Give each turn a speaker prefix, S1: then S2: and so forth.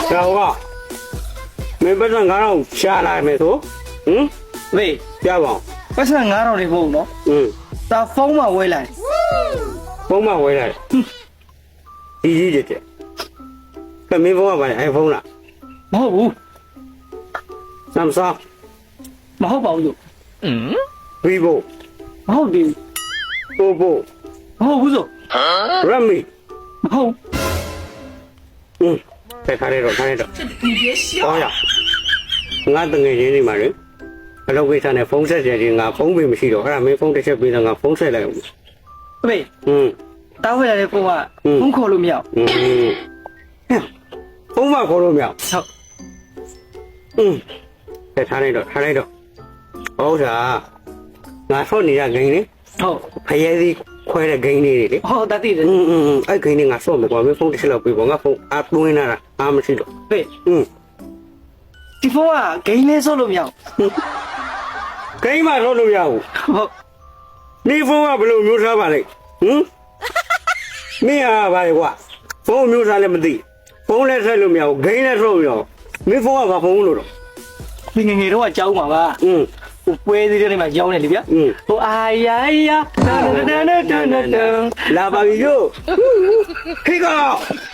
S1: 자오가 맨발상 가라 샤라면서 응?
S2: ဝေး
S1: 야봐
S2: ပတ်စံ9000လေးပို့နော်
S1: 응
S2: ဒါဖုန်းမှာဝဲလိုက်
S1: 뽕만 왜래 이지제제 그 민봉아 봐야 아이폰 라
S2: မဟုတ်ဘူး
S1: 삼성
S2: မဟုတ်ပါဘူးလို့
S1: vivo
S2: မဟုတ်ဘူး
S1: oppo
S2: မဟုတ်ဘူးဆို
S1: redmi
S2: မဟုတ်
S1: 응 잘해줘 어야ငါတငယ်ချင်းနေမှာလေအလုပ်ကိစ္စနဲ့ဖုန်းဆက်ကြတယ်ငါဖုန်းပေးမရှိတော့အဲ့ဒါမင်းဖုန်းတစ်ချက်ပေးတော့ငါဖုန်းဆက်လိုက်အောင်
S2: ဝေး
S1: 응
S2: တားဝဲလိုက်တဲ့ဖုန်းကဖုန်းခေါ်လို့မရ
S1: 응ဖုန်းမခေါ်လို့မရ
S2: ဟုတ်
S1: 응ထားလိုက်တော့ဟုတ်စားငါဆော့နေရဂိမ်းလေ
S2: ဟုတ်
S1: ဖရဲစီခွဲတဲ့ဂိမ်းလေးတွေလေ
S2: ဟုတ်တတ်သိတယ်
S1: အဲ့ဂိမ်းလေးငါဆော့မယ်ကွာမင်းဖုန်းတစ်ချက်လောက်ပေးပေါ့ငါဖုန်းအားသွင်းလာတာအားမရှိတော့
S2: ဝေး
S1: 응
S2: ဒီဖုန်းကဂိမ်းလေးဆော့လို့မရ
S1: ဂိမ်းမှာဆော့လို့ရဘူး
S2: ဟုတ်
S1: နေဖုန်းကဘယ်လိုမျိုးစားပါလဲဟင်မင်းအားပါလေကွာဖုန်းမျိုးစားလည်းမသိဖုန်းလည်းဆက်လို့မရဘူးဂိမ်းလည်းဆော့မရဘူးမင်းဖုန်းကဘာဖုန်းလို့တော့
S2: ဒီငယ်တော့ကကြောင်းပါပါ
S1: 응
S2: ဟိုပွဲသေးတဲ့မှာကြောင်းနေလေဗျာ
S1: 응
S2: ဟိုအာယာယာတန်တန်တန်တန်တန်
S1: လာပါပြီလို့ခေကော